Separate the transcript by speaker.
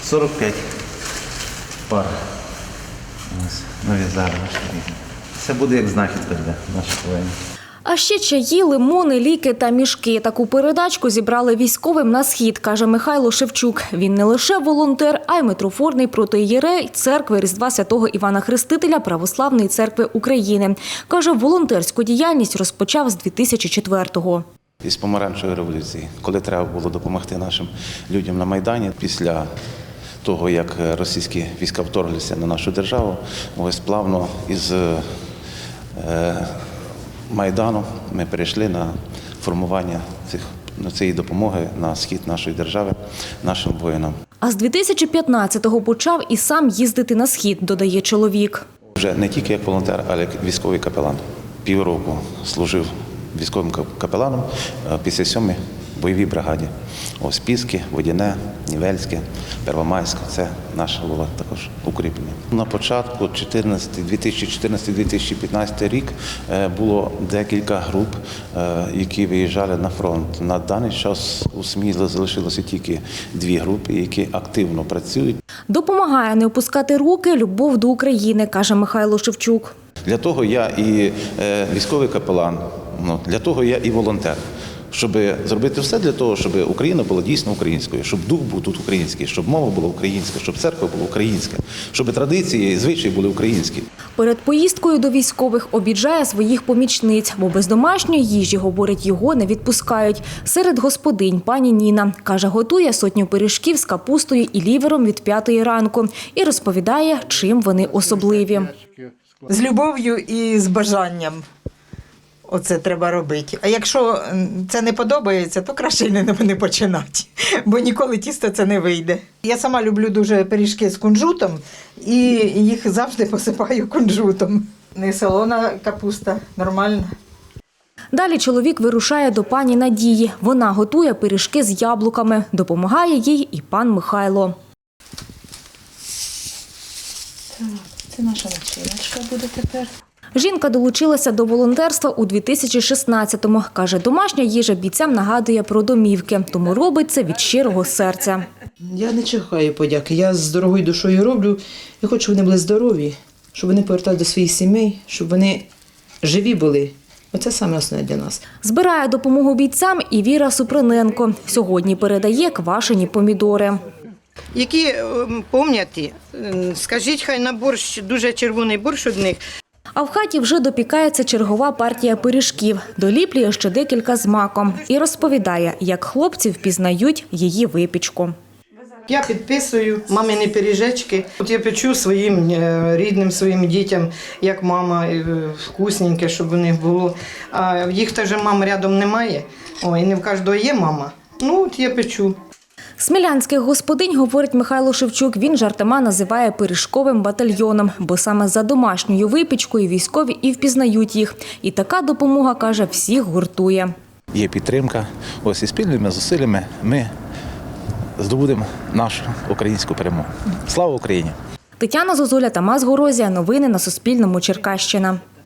Speaker 1: 45 пар. Ось, нав'язали наші рідні. Це буде як знахідка для наших воїнів.
Speaker 2: А ще чаї, лимони, ліки та мішки. Таку передачку зібрали військовим на схід, каже Михайло Шевчук. Він не лише волонтер, а й митрофорний протоієрей церкви Різдва Святого Івана Хрестителя Православної церкви України. Каже, волонтерську діяльність розпочав з 2004-го.
Speaker 1: Із помаранчевої революції, коли треба було допомогти нашим людям на Майдані, після того, як російські війська вторглися на нашу державу, ось плавно із Майдану ми перейшли на формування цієї допомоги на схід нашої держави нашим воїнам.
Speaker 2: А з 2015-го почав і сам їздити на схід, додає чоловік.
Speaker 1: Вже не тільки як волонтер, але як військовий капелан. Півроку служив військовим капеланом в 57-й бойовій бригаді. Ось Піски, Водяне, Нівельське, Первомайське – це наше було також укріплення. На початку 2014-2015 рік було декілька груп, які виїжджали на фронт. На даний час у Смілі залишилося тільки 2 групи, які активно працюють.
Speaker 2: Допомагає не опускати руки любов до України, каже Михайло Шевчук.
Speaker 1: Для того я і військовий капелан, для того я і волонтер. Щоб зробити все для того, щоб Україна була дійсно українською, щоб дух був тут український, щоб мова була українська, щоб церква була українська, щоб традиції і звичаї були українські.
Speaker 2: Перед поїздкою до військових обіджає своїх помічниць, бо без домашньої їжі, говорить, його не відпускають. Серед господинь пані Ніна. Каже, готує 100 пиріжків з капустою і лівером від 5-ї ранку. І розповідає, чим вони особливі.
Speaker 3: З любов'ю і з бажанням. Оце треба робити. А якщо це не подобається, то краще й не починати, бо ніколи тісто це не вийде. Я сама люблю дуже пиріжки з кунжутом і їх завжди посипаю кунжутом. Не солона капуста, нормальна.
Speaker 2: Далі чоловік вирушає до пані Надії. Вона готує пиріжки з яблуками. Допомагає їй і пан Михайло.
Speaker 3: Так, це наша начиночка буде тепер.
Speaker 2: Жінка долучилася до волонтерства у 2016-му. Каже, домашня їжа бійцям нагадує про домівки, тому робить це від щирого серця.
Speaker 4: Я не чекаю подяки, я з дорогою душою роблю. Я хочу, щоб вони були здорові, щоб вони поверталися до своїх сімей, щоб вони живі були. Оце саме основне для нас.
Speaker 2: Збирає допомогу бійцям і Віра Супруненко. Сьогодні передає квашені помідори.
Speaker 5: Які пам'ятаєте, скажіть, хай на борщ, дуже червоний борщ одних.
Speaker 2: А в хаті вже допікається чергова партія пиріжків. Доліплює ще декілька з маком. І розповідає, як хлопці впізнають її випічку.
Speaker 5: Я підписую мамині пиріжечки. От я печу своїм рідним, своїм дітям, як мама, вкусненьке, щоб у них було. А їх теж мам рядом немає, і не в кожного є мама. Ну, от я печу.
Speaker 2: Смілянських господинь, говорить Михайло Шевчук, він жартома називає пиріжковим батальйоном, бо саме за домашньою випічкою військові і впізнають їх. І така допомога, каже, всіх гуртує.
Speaker 1: Є підтримка, ось і спільними зусиллями ми здобудемо нашу українську перемогу. Слава Україні!
Speaker 2: Тетяна Зозуля, Тамас Горозія. Новини на Суспільному. Черкащина.